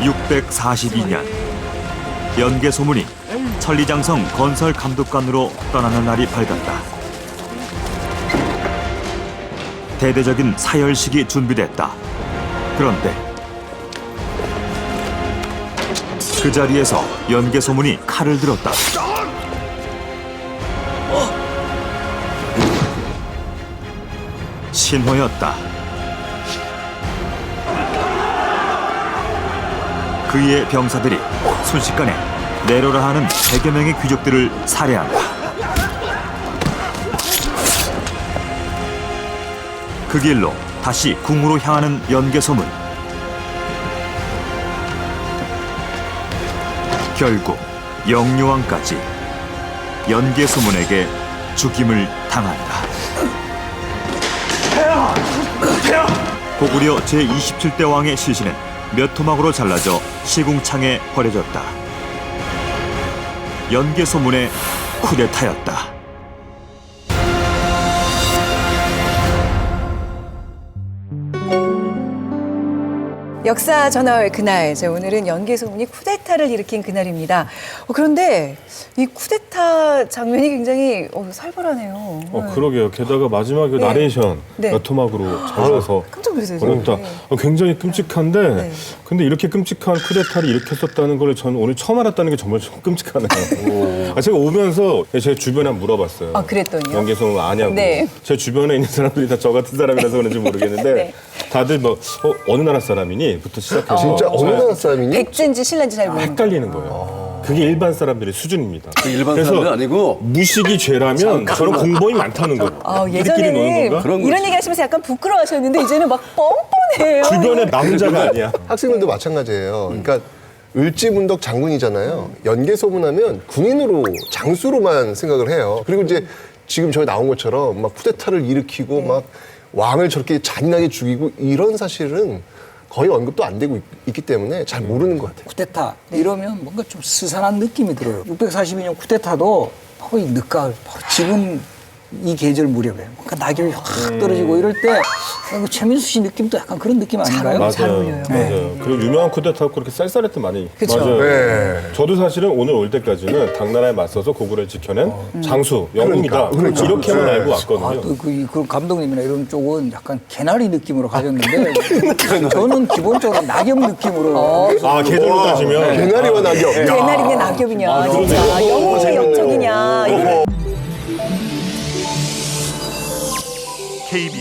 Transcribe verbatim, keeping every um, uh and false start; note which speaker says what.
Speaker 1: 육백사십이 년 연개소문이 천리장성 건설 감독관으로 떠나는 날이 밝았다. 대대적인 사열식이 준비됐다. 그런데 그 자리에서 연개소문이 칼을 들었다. 신호였다. 그의 병사들이 순식간에 내로라 하는 백여 명의 귀족들을 살해한다. 그 길로 다시 궁으로 향하는 연개소문. 결국 영유왕까지 연개소문에게 죽임을 당한다. 고구려 제이십칠 대 왕의 시신은 몇 토막으로 잘라져 시궁창에 버려졌다. 연개소문의 쿠데타였다.
Speaker 2: 역사 전월 그날, 저 오늘은 연개소문이 쿠데타를 일으킨 그날입니다. 어, 그런데 이 쿠데타 장면이 굉장히 어, 살벌하네요.
Speaker 3: 어, 그러게요. 게다가 마지막 그
Speaker 2: 네.
Speaker 3: 나레이션
Speaker 2: 네.
Speaker 3: 몇 토막으로 잘라서
Speaker 2: 깜짝 놀랐어요.
Speaker 3: 어렵다.
Speaker 2: 네.
Speaker 3: 어, 굉장히 끔찍한데
Speaker 2: 네.
Speaker 3: 근데 이렇게 끔찍한 쿠데타를 일으켰었다는 걸 저는 오늘 처음 알았다는 게 정말 좀 끔찍하네요. 아, 제가 오면서 제 주변에 한번 물어봤어요.
Speaker 2: 아, 그랬더니요?
Speaker 3: 연개소문 아냐고.
Speaker 2: 네.
Speaker 3: 제 주변에 있는 사람들이 다 저 같은 사람이라서 그런지 모르겠는데
Speaker 2: 네.
Speaker 3: 다들 뭐 어, 어느 나라 사람이니? 부터 시작해서
Speaker 4: 진짜 어느 나라 사람이니?
Speaker 2: 백제인지 신라인지 잘 모르는
Speaker 3: 헷갈리는 거예요. 그게 일반 사람들의 수준입니다.
Speaker 5: 일반
Speaker 3: 그래서
Speaker 5: 사람은 아니고
Speaker 3: 무식이 죄라면 저런 공범이 많다는 거예요.
Speaker 2: 아,
Speaker 3: 우리끼리 노는
Speaker 2: 예전에는
Speaker 3: 건가?
Speaker 5: 그런
Speaker 2: 이런
Speaker 5: 거지.
Speaker 2: 얘기 하시면서 약간 부끄러워하셨는데 이제는 막 뻔뻔해요.
Speaker 3: 주변에 나 혼자가 아니야.
Speaker 4: 학생들도 마찬가지예요. 그러니까 을지문덕 장군이잖아요. 연개소문하면 군인으로 장수로만 생각을 해요. 그리고 이제 지금 저희 나온 것처럼 막 쿠데타를 일으키고 막 왕을 저렇게 잔인하게 죽이고 이런 사실은 거의 언급도 안 되고 있, 있기 때문에 잘 모르는 것 같아요.
Speaker 6: 쿠데타 이러면 뭔가 좀 스산한 느낌이 들어요. 육백사십이 년 쿠데타도 바로 이 늦가을, 바로 지금 이 계절 무렵에 뭔가 낙엽이 확 떨어지고 이럴 때 그 최민수 씨 느낌도 약간 그런 느낌 아닌가요?
Speaker 3: 맞아요.
Speaker 2: 잘 어울려요.
Speaker 3: 맞아요. 그리고 유명한 쿠데타고 그렇게 쌀쌀했던 많이.
Speaker 2: 그쵸.
Speaker 3: 맞아요.
Speaker 4: 네.
Speaker 3: 저도 사실은 오늘 올 때까지는 당나라에 맞서서 고구려를 지켜낸 장수, 영웅이다.
Speaker 4: 그러니까, 그러니까.
Speaker 3: 이렇게만
Speaker 4: 네.
Speaker 3: 알고
Speaker 6: 아,
Speaker 3: 왔거든요.
Speaker 6: 또 그, 그 감독님이나 이런 쪽은 약간 개나리 느낌으로 가졌는데 저는 기본적으로 낙엽 느낌으로
Speaker 3: 아, 계절로 따지면.
Speaker 4: 개나리와 낙엽. 야.
Speaker 2: 개나리냐 낙엽이냐, 진짜 영웅이냐
Speaker 4: 재밌네요.
Speaker 2: 역적이냐. 이거.
Speaker 1: 케이비에스